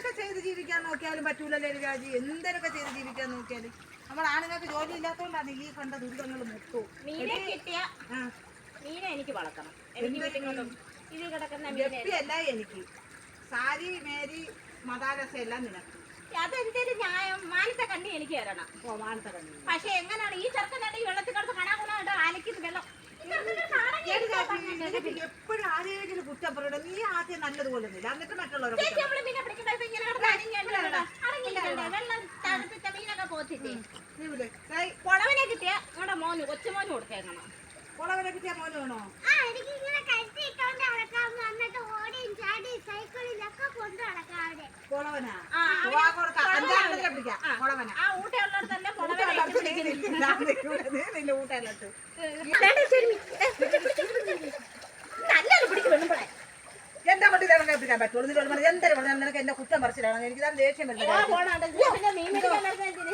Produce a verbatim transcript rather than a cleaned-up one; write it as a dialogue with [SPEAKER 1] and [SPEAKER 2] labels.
[SPEAKER 1] എന്തൊക്കെ ചെയ്ത് ജീവിക്കാൻ നോക്കിയാലും പറ്റൂലല്ലേ രാജി, എന്തൊക്കെ ചെയ്ത് ജീവിക്കാൻ നോക്കിയാലും. നമ്മൾ ആണുങ്ങൾക്ക് ജോലി ഇല്ലാത്തതുകൊണ്ടാണ് ഈ കണ്ട ദുരിതങ്ങൾ മൊത്തവും.
[SPEAKER 2] മീനെ കിട്ടിയ മീനെ എനിക്ക് വളർത്തണം. എനിക്ക് വീട്ടിൽ ഇത് കിടക്കുന്ന
[SPEAKER 1] ഗപ്പിയല്ല എനിക്ക്. സാരി മേരി മദാരസ എല്ലാം നിനക്ക്.
[SPEAKER 2] അതെന്തൊരു ന്യായം? മാനത്തെ കണ്ണി എനിക്ക് തരണം.
[SPEAKER 1] ഓ മാനത്തെ കണ്ണി.
[SPEAKER 2] പക്ഷെ എങ്ങനെയാണ് ഈ ചെറുക്കനാണ് ഈ വെള്ളത്തിൽ കിടന്ന് കണാകുണ അലക്കിത് വെള്ളം
[SPEAKER 1] എപ്പോഴും ആരെങ്കിലും കുറ്റം പറയണം. നീ ആദ്യം നല്ലതുപോലെ എന്നിട്ട് മറ്റുള്ളവരെ
[SPEAKER 2] കുളവനെ കിട്ടിയ നമ്മുടെ മോന് കൊച്ചുമോന് കൊടുത്തേക്കണം.
[SPEAKER 1] കുളവനെ കിട്ടിയ മോന് വേണോ? കുളവനാ
[SPEAKER 2] ആ ഊട്ടയുള്ളടത്തന്നെ
[SPEAKER 1] ഊട്ടയിലോട്ട്
[SPEAKER 2] നല്ലത് പിടിച്ച് വെള്ളുമ്പോഴേ
[SPEAKER 1] എന്റെ വണ്ടി തിരഞ്ഞെ പിടിക്കാൻ പറ്റുള്ളൂ. എന്തൊരു നിനക്ക് എന്റെ കുറ്റം പറിച്ചിട്ടാണ് എനിക്ക് ദേഷ്യം വരുന്നത്.